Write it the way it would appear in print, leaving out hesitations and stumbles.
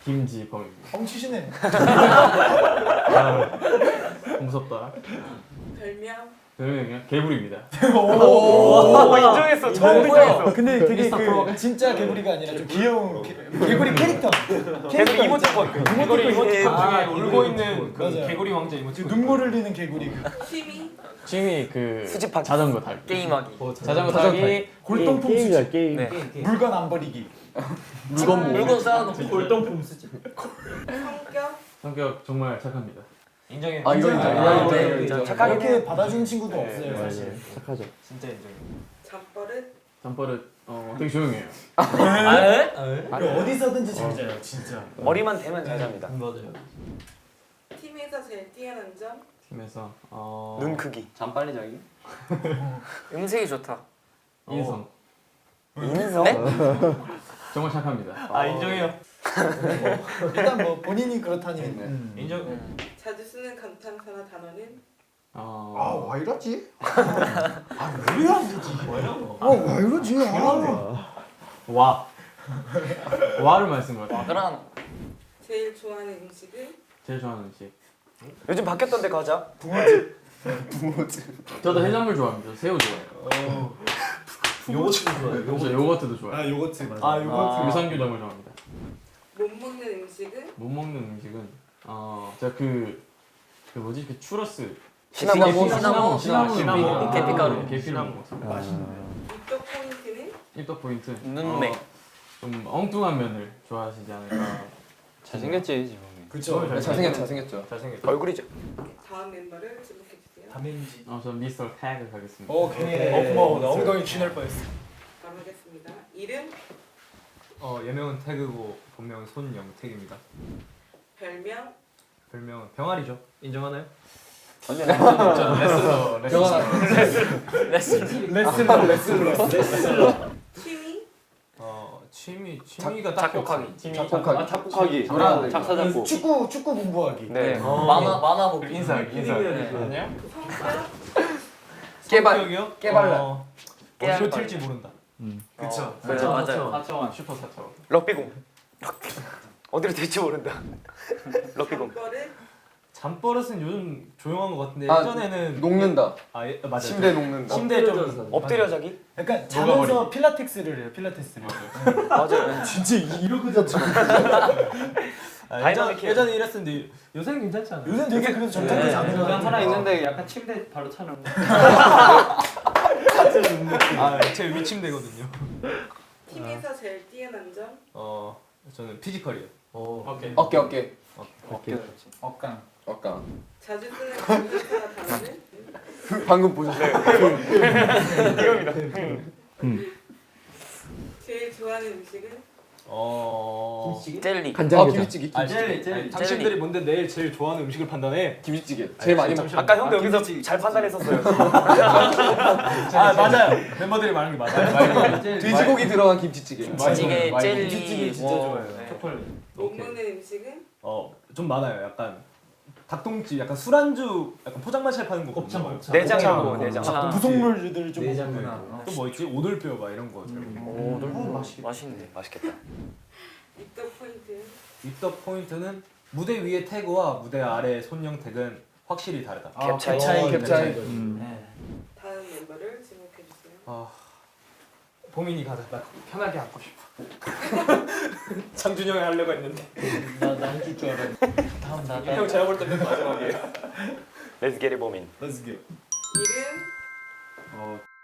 김지범입니다. 뻥치시네. 아, 무섭다. 별명이요? 개구리입니다. 오, 인정했어. 처음 인정했어. 근데 되게 그 진짜 개구리가 아니라 좀 귀여운 개구리 캐릭터. 개구리 이모티콘. 개구리 이모티콘 중에 아, 울고 있는 그 맞아요. 개구리 왕자 이모티콘. 눈물 흘리는 개구리. 취미 그 수집하기. 자전거 타기. 게임하기. 자전거 타기. 골동품 게임이야 수집. 게임. 네. 물건 안 버리기. 물건 쌓아놓고. 골동품 수집. 성격 정말 착합니다. 인정해. 아 이거 인정. 아, 이거 네. 인정. 착하게 이렇게 받아주는 친구도 네, 없어요 사실. 착하죠. 진짜 인정해. 잠버릇 되게 조용해요. 그리고 어디서든지 잘 자요 진짜. 머리만 대면 잘 잡니다. 맞아요. 팀에서 제일 뛰어난 점? 팀에서 눈 크기. 잠 빨리 자기. 음색이 좋다. 인성 인성? 정말 착합니다. 아 인정해요. 일단 뭐 본인이 그렇다니. 인정. 자주 쓰는 감탄사나 단어는? 아왜 이러지? 아왜 이러지? 아왜 이러지? 와를 많이 쓴 것 같아요. 그럼 제일 좋아하는 음식은? 제일 좋아하는 음식. 요즘 바뀌었던데 과자. 저도 해산물 좋아합니다. 새우 좋아해요. 요거트 좋아요. 그래서 요거트도 좋아해요. 아 요거트 맞아. 아 요거트. 유산균점을 좋아합니다. 못 먹는 음식은? 못 먹는 음식은 제가 그 뭐지 그 추러스 시나몬. 계피가루 계피가루. 계피가루 입덕 포인트는? 입덕 포인트 눈매. 좀 엉뚱한 면을 좋아하시지 않을까. 잘생겼지 지금. 그쵸. 잘생겼죠. 잘생겼다. 얼굴이죠. 다음 멤버를 지목해주세요. 담임지. 전 미스터 태그 가겠습니다. 오케이. 고마워. 나 엉덩이 쥐날 뻔했어. 바로 하겠습니다. 이름? 예명은 태그고 본명은 손영택입니다. 별명? 별명은 병아리죠. 인정하나요? 레슬러. 취미? 취미가 딱히 없어요. 작곡하기. 작사 작곡. 축구 공부하기. 네. 만화 보기. 인사하기. 아니요? 성격? 성격이요? 깨발라. 어디로 튈지 모른다. 그쵸. 맞아요. 4차원 슈퍼 4차원. 럭비공. 어디로 될지 모른다. 럭비공. 잠버릇? 잠버릇은 요즘 조용한 것 같은데 아, 예전에는 녹는다. 맞아요. 침대 녹는다. 침대 좀 엎드려 자기? 약간 자면서 필라테스를 해요. 필라테스를. 맞아요. 진짜 이러고 잤죠. 예전에 이랬었는데 요새는 괜찮지 않아요? 요즘 되게 그래도 정착하지 않는 거 하나 있는데 약간 침대 바로 차는. 제 위침대거든요. 팀에서 제일 뛰어난 점? 저는 피지컬이요. 오케이. 어깨. 억강. 자주 쓰는 감탄사나 단어는? 방금 보셨어요? 제일 좋아하는 음식은? 젤리. 김치찌개. 젤리. 당신들이 뭔데 내일 제일 좋아하는 음식을 판단해? 김치찌개. 제일 많이 먹. 아까 형도 여기서 잘 판단했었어요. 맞아요. 멤버들이 말하는 게 맞아요. 돼지고기 들어간 김치찌개. 김치찌개, 젤리. 김치찌개 진짜 좋아해요. 네. 초콜릿. 못 먹는 음식은? 좀 많아요. 약간 닭똥집, 약간 술안주, 약간 포장마차에 파는 거. 곱창. 내장 이런 거, 내장. 부속물들 좀 내장구나. 또뭐 있지? 오돌뼈 막 이런 거. 맛있네. 맛있겠다. 입덕 포인트? 입덕 포인트는 무대 위의 태그와 무대 아래 손영택은 확실히 다르다. 갭 차이. 갭 차이. 다음 멤버를 지목해주세요. 보민이 가자. 나 편하게 앉고 싶어. 장준영이 하려고 했는데. 나 해줄 줄 알았는데. 형 제가 볼 때는 마지막이에요. Let's get it, 보민. Let's go. 이름?